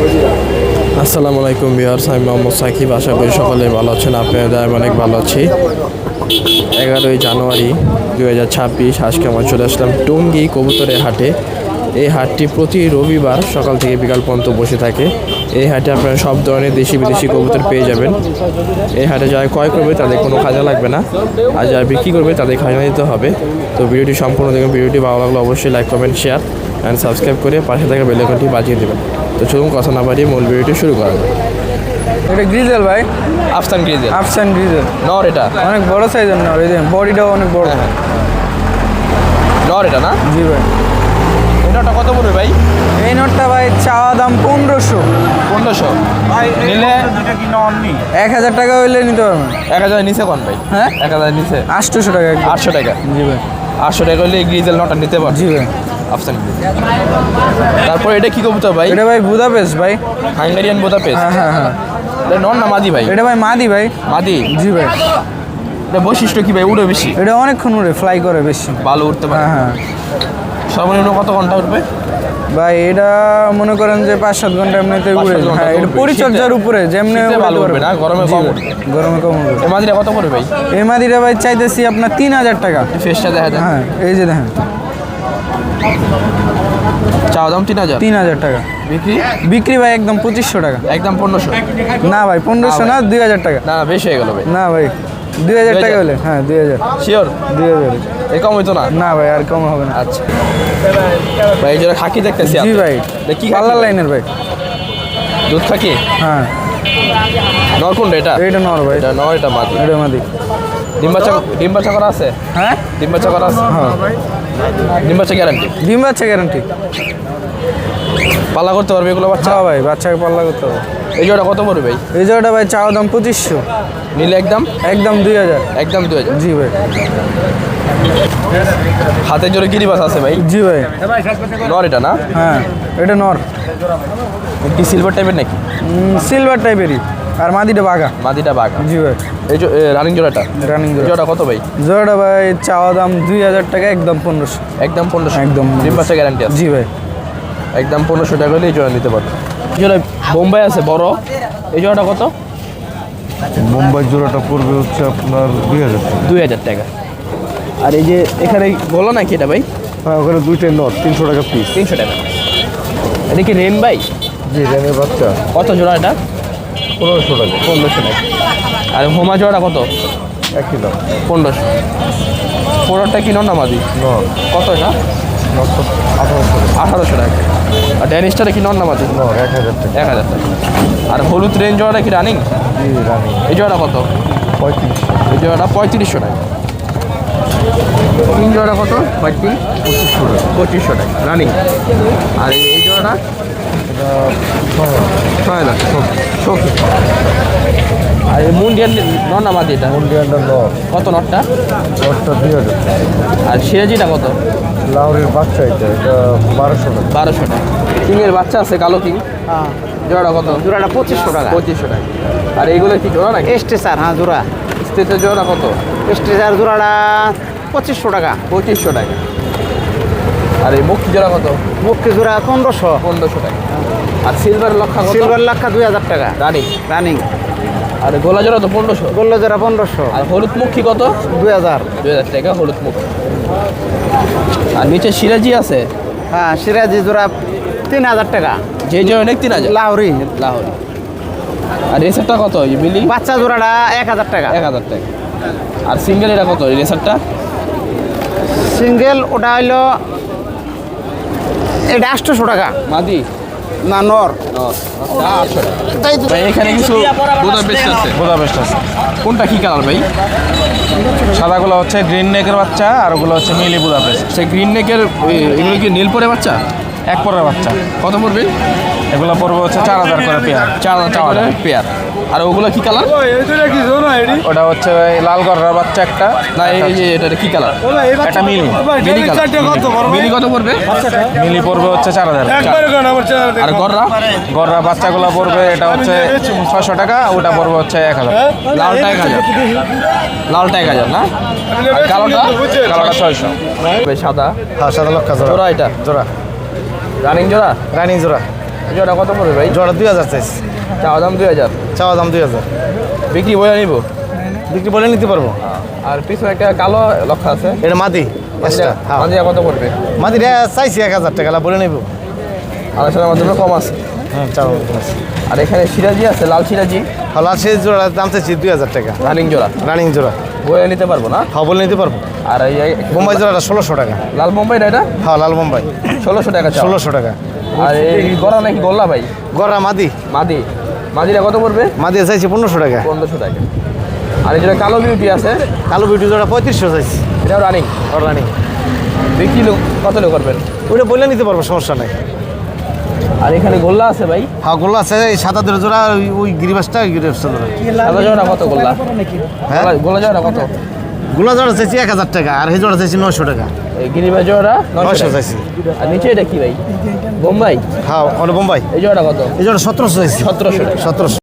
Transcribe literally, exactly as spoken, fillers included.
আসসালামু আলাইকুম ভিউয়ার্স, আমি মোহাম্মদ সাকিব। আশা করি সকলে ভালো আছেন। আপনাদের আমি অনেক ভালো আছি। এগারোই জানুয়ারি দু হাজার ছাব্বিশ আজকে আমরা চলে আসলাম টঙ্গী কবুতরের হাটে। এই হাটটি প্রতি রবিবার সকাল থেকে বিকাল পর্যন্ত বসে থাকে। এই হাটে আপনারা সব ধরনের দেশি বিদেশি কবুতর পেয়ে যাবেন। এই হাটে যারা ক্রয় করবে তাদের কোনো খাজা লাগবে না, আর যারা বিক্রি করবে তাদের খাজা দিতে হবে। তো ভিডিওটি সম্পূর্ণ দেখুন। ভিডিওটি ভালো লাগলে অবশ্যই like comment share and subscribe করে পাশে থাকা বেল আইকনটি বাজিয়ে দেবেন। তো চলুন কথা না বাড়িয়ে মূল ভিডিওটি শুরু করা যাক। এটা গ্রিজেল ভাই, আফসান গ্রিজেল। আফসান গ্রিজেল নর এটা অনেক বড় সাইজের নর, এই যে বডিটাও অনেক বড়। নর এটা না? জি ভাই। এই নরটা কত পড়বে ভাই? এই নটটা ভাই চাওয়া দাম পনেরোশো। পনেরোশো নিলে এক হাজার টাকা হইলে নিতে পারবেন। এক হাজার নিচে কোন ভাই? হ্যাঁ, এক হাজার নিচে আটশোশো টাকা। আটশো টাকা? জি ভাই। আটশো টাকা হলে গ্রিজেল নটা নিতে পারবেন। জি ভাই। আফসান গ্রিজেল। তারপর এটা কি কবুতর ভাই? এটা ভাই বুদাপেস্ট ভাই। Hungarian Budapest. হ্যাঁ হ্যাঁ হ্যাঁ। এটা নর না মাদি ভাই? এটা ভাই মাদি ভাই। মাদি? জি ভাই। এটা বৈশিষ্ট্য কি ভাই? উড়ে বেশি? এটা অনেকক্ষণ উড়ে, ফ্লাই করে বেশি, ভালো উঠতে পারে। হ্যাঁ হ্যাঁ। সর্বনিম্ন কত ঘন্টা উঠবে ভাই? এটা মনে করেন যে পাঁচ সাত ঘন্টা এমনিতে উড়ে। হ্যাঁ, এটা পরিচর্যার উপরে যেমনি ভালো উঠবে না, গরমে কম উঠবে। গরমে কম উঠবে। এই মাদিটা কত পড়বে ভাই? এই মাদিটা ভাই চাইতেছি আপনার তিন হাজার টাকা। ফেসটা দেখা যায়। হ্যাঁ, এই যে দেখেন, চাওয়া দাম তিন হাজার। তিন হাজার টাকা। বিক্রি? বিক্রি ভাই একদম পঁচিশশো টাকা। একদম পনেরোশো? না ভাই, পনেরোশো না, দুই হাজার টাকা। না না, বেশি হয়ে গেল ভাই। না ভাই, দুই হাজার টাকা হলে। হ্যাঁ, দুই হাজার। শিওর? দুই হাজার। এই কম হইতো না? না ভাই, আর কম হবে না। আচ্ছা ভাই, এই যেটা খাকি দেখতেছি। জি ভাই, কি পাল্লার লাইনের ভাই। দুধ খাকি? হ্যাঁ। নর কোনটা এটা? এইটা নর ভাই। এটা নর, এটা মাদি। এটা মাদি। ডিম বাচ্চা? ডিম বাচ্চা করা আছে? হ্যাঁ, ডিম বাচ্চা করা আছে? হ্যাঁ। ডিম বাচ্চা গ্যারান্টি? ডিম বাচ্চা গ্যারান্টি। পাল্লা করতে পারবে এগুলো বাচ্চা? হ্যাঁ ভাই, বাচ্চাকে পাল্লা করতে হবে। এই জোড়া কত পড়বে ভাই? এই জায়গাটা ভাই চাওয়া দাম পঁচিশশো। নিলে একদম? একদম দুই হাজার। একদম দুই হাজার? জি ভাই। হাতের জোরে গিরিবাস আছে ভাই? জি ভাই। নর এটা না? হ্যাঁ, এটা নর। কি সিলভার টাইপের নাকি? সিলভার টাইপেরই, আর মাদিটা বাঘা। মাদিটা বাঘা? জি ভাই। এই যে রানিং জোড়াটা? রানিং জোড়া কত ভাই? জোড়াটা ভাই চাওয়া দাম দুই হাজার টাকা, একদম পনেরোশো। একদম পনেরোশো? একদম। ডিম বাচ্চা গ্যারান্টি আছে? জি ভাই। একদম পনেরোশো টাকা হলে এই জোড়া নিতে পারবে। জোড়া বোম্বাই আছে বড়, এই জোড়াটা কত? মুম্বাই জোড়াটা পড়বে হচ্ছে আপনার দুই হাজার টাকা। দুই হাজার টাকা। আর এই যে এখানে বলো নাকি এটা ভাই? হ্যাঁ, ওখানে দুইটাই নট, তিনশো টাকা পিস। তিনশো টাকা। এটা কি রেন ভাই? জি, রেনের বাচ্চা কত জোড়া এটা? পনেরোশো টাকা। পনেরোশো টাকা। আর হোমা জোড়াটা কত? একই দাম, পনেরোশো। পনেরোটা কি নন নামাজি? নট। কত এটা? নটশো আঠারোশো টাকা। আঠারোশো টাকা। আর ড্যানিশটা কি নন নামাজি? নট এক হাজার টাকা। এক হাজার টাকা। আর হলুদ রেঞ্জ জোড়াটা কি রানিং? জি, রানি এই জোড়াটা কত? পঁয়ত্রিশশো। এই জোড়াটা পঁয়ত্রিশশো টাকা। তিন জোড়াটা কত? পঁয়ত্রিশ? পঁচিশশো টাকা। পঁচিশশো টাকা রানিং। আর এই এই জোড়াটা? এটা ছয় হাজার। ছয় হাজার। শোকি। আর এই মুন্ডিয়ান নন নামাজি এটা? ইন্ডিয়ানটা নট। কত নটটা? নটটা দুই হাজার টাকা। আর সিরাজিটা কত? লাহোরের বাচ্চা এটা, এটা বারোশো টাকা। বারোশো টাকা। কিংয়ের বাচ্চা আছে কালো কিং? হ্যাঁ, জোড়াটা কত? জোড়াটা পঁচিশশো টাকা। পঁচিশশো টাকা। আর এইগুলো কি জোড়া নাকি? স্ট্রেচার, হ্যাঁ জোড়া। স্টেটের জোড়া কত? স্ট্রেচার জোড়াটা পঁচিশশো টাকা। পঁচিশশো টাকা। আর এই মুক্তি জোড়া কত? মুক্তি জোড়া পনেরোশো। পনেরোশো টাকা। আর সিলভার লক্ষা কত? সিলভার লাক্ষা দুই হাজার টাকা রানিং। রানিং। আর গোলা জোড়া তো পনেরোশো। গোল্লা জোড়া পনেরোশো। আর হলুদ মুখী কত? দুই হাজার। দুই হাজার টাকা হলুদ মুখী। আর নিচে সিরাজি আছে? হ্যাঁ, সিরাজি জোড়া তিন হাজার টাকা। যে জোড়া নেই তিন হাজার? লাহোরি। লাহোর। আর রেসারটা কত? এই মিলি? বাচ্চা জোড়াটা এক হাজার টাকা। এক হাজার টাকা। আর সিঙ্গেল এটা কত এই রেসারটা? সিঙ্গেল ওটা হইলো এটা আটশোশো টাকা। মাদি না, নর। আটশো টাকা। তাই তো। ভাই এখানে কিছু বুদাপেস্ট আছে। বুদাপেস্ট আছে। কোনটা কি কালার ভাই? সাদাগুলো হচ্ছে গ্রিন নেকের বাচ্চা, আর ওগুলো হচ্ছে মিলি বুদাপেস্ট। সেই গ্রিন নেকের এগুলো কি নীল পরে বাচ্চা? এক পরের বাচ্চা। কত পড়বে? এগুলো পড়বে হচ্ছে চার হাজার করে পেয়ার। চার হাজার টাকা করে পেয়ার। আর ওগুলো কি কালার? ওটা হচ্ছে ওই লাল গররার বাচ্চা একটা। না এই যে এটা কি কালার? একটা মিলি। মিলি কালার। মিলি কত পড়বে? মিলি পড়বে হচ্ছে চার হাজার। আর গররা? গররা বাচ্চাগুলো পড়বে এটা হচ্ছে ছয়শো টাকা, ওটা পড়বে হচ্ছে এক হাজার। লালটা এক হাজার। লালটা এক হাজার না? আর কালোটা? কালোটা ছয়শো। সাদা? হ্যাঁ, সাদা লক্ষা জোড়া এটা? জোড়া রানিং জোড়া? রানি জোড়া। এই জোড়া কত পড়বে ভাই? জোড়া দুই হাজার চাইছি, চাওয়া দাম দুই হাজার, চাওয়া দাম দুই হাজার। বিক্রি বলে নিব? বিক্রি বলে নিতে পারবো। আর পিছনে একটা কালো লক্ষ্য আছে, এটা মাদি এক্সট্রা, হ্যাঁ মাঝে কত পড়বে? মাদি চাইছি এক হাজার টাকা, বলে নেব। আলোচনার মাধ্যমে কম আছে। হ্যাঁ চাওয়া আছে। আর এখানে সিরাজি আছে, লাল সিরাজি, হলার সেই জোড়ার দাম চাইছি দুই হাজার টাকা, রানিং জোড়া, রানিং জোড়া। বলে নিতে পারবো না? হ্যাঁ বলে নিতে পারবো। আর এই বোম্বাই জোড়াটা ষোলোশো টাকা। লাল বোম্বাইটা এটা হ্যাঁ লাল বোম্বাই ষোলোশো টাকা চাওয়া। ষোলোশো টাকা। আর এই গড়া নাকি গোল্লা ভাই? গড়া মাদি, মাদি, মাদিটা কত পড়বে? মাদি চাইছি পনেরোশো টাকা। পনেরোশো টাকা। আর এই যেটা কালো বিউটি আছে, কালো বিউটি জোড়া পঁয়ত্রিশশো চাইছি, এটাও রানিং। ওর রানিং। বিক্রি লোক কত লোক করবেন? ওইটা বলে নিতে পারবো, সমস্যা নাই। আর এখানে গোল্লা আছে ভাই, হ্যাঁ গোল্লা আছে, এই সাদা জোড়া জোড়া ওই- ওই গিরিবাসটা গিরিবাসটা জোড়া। সাদা জোড়া কত গোল্লা? হ্যাঁ গোল্লা- গোল্লা জোড়া কত? গোলা জোড়া চাইছি এক হাজার টাকা, আর এই জোড়া চাইছি নয়শো টাকা। এই গিরিবা জোড়া নয়শো নয়শো টাকা। চাইছি। আর নিচে এটা কি ভাই? বোম্বাই, হ্যাঁ ওটা বোম্বাই, এই জোড়া কত? এই জোড়া সতেরোশো চাইছি, সতেরোশো টাকা। সতেরোশো।